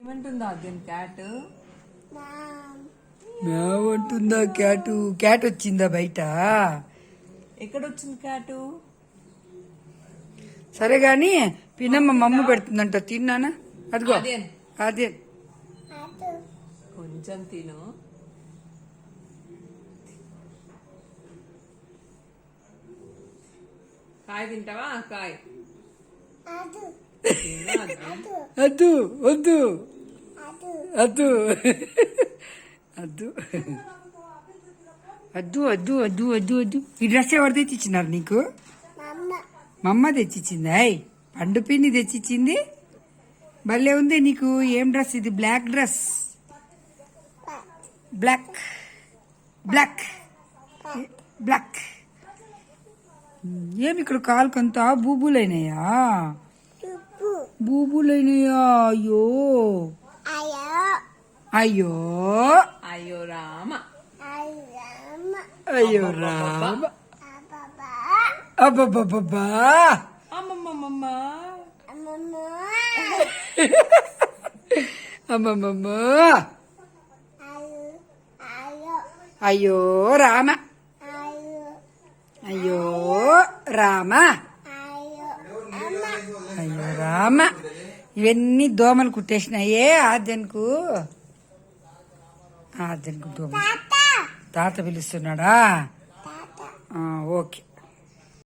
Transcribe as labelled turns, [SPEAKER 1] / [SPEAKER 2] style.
[SPEAKER 1] ఏమంటుందా దీని cat?
[SPEAKER 2] మేమంటుందా cat? Cat వచ్చిందా బయట?
[SPEAKER 1] ఎక్కడొచ్చింది క్యాటు?
[SPEAKER 2] సరే గాని పిన్నమ్మ మమ్మ పెడుతుందంట, తిన్నానా? అదిగో అదే
[SPEAKER 1] కొంచెం తిను. కాయ తింటావా? కాయ
[SPEAKER 2] అద్దు వద్దు అద్దు అద్దు అద్దు అద్దు అద్దు అద్దు అద్దు. ఈ డ్రెస్ ఎవరు తెచ్చిచ్చినారు నీకు? మా అమ్మ తెచ్చిచ్చింది. పండు పిన్ని తెచ్చిచ్చింది. భలే ఉంది నీకు. ఏం డ్రెస్ ఇది? Black dress. Black black black. ఏమి ఇక్కడ కాలుకంతా బూబులైనాయా? బూబులైనాయా? అయ్యో అయ్యో
[SPEAKER 1] అయ్యో రామ,
[SPEAKER 2] అయ్యో రామ, అబ్బబ్బబ్బా,
[SPEAKER 1] అమ్మమ్మమ్మ,
[SPEAKER 2] అమ్మమ్మమ్మ, అయ్యో రామ, అయ్యో రామ, అయ్యో రామ. ఇవన్నీ దోమలు కుట్టేసినాయే ఆద్యన్కు. ఆద్యన్కు దోమలు. తాత పిలుస్తున్నాడా? ఓకే.